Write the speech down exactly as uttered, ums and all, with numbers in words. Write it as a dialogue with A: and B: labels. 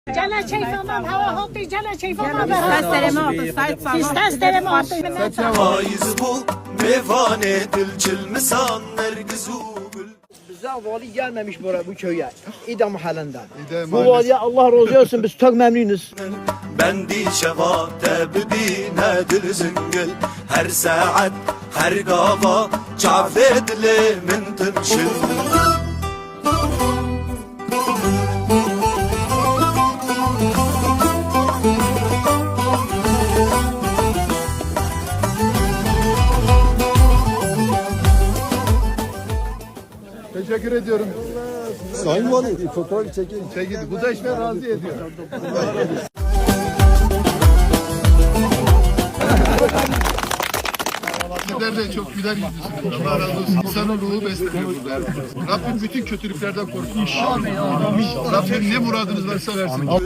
A: جل شيفنا هوا هوطي جل شيفنا
B: Faiz bul, mevane dilçil misan nergizu bul.
C: Bize vali gelmemiş buraya bu köye. İdam halinden.
D: İdam
C: Bu
D: mahallesi.
C: valiye Allah razı olsun biz çok memnunuz.
B: Bendi şevate bidine dil zingil. Her saat, her gava, çavde dili min tınşil.
D: Teşekkür ediyorum.
E: Sayın Valim fotoğraf çekin.
D: Çekildi. Bu da işime razı ediyor. Sizler de çok güler yüzlüsünüz. Allah razı olsun. İnsanoğlu besleniyor burada. Rabbim bütün kötülüklerden korusun inşallah. Rabbim ne muradınız varsa versin.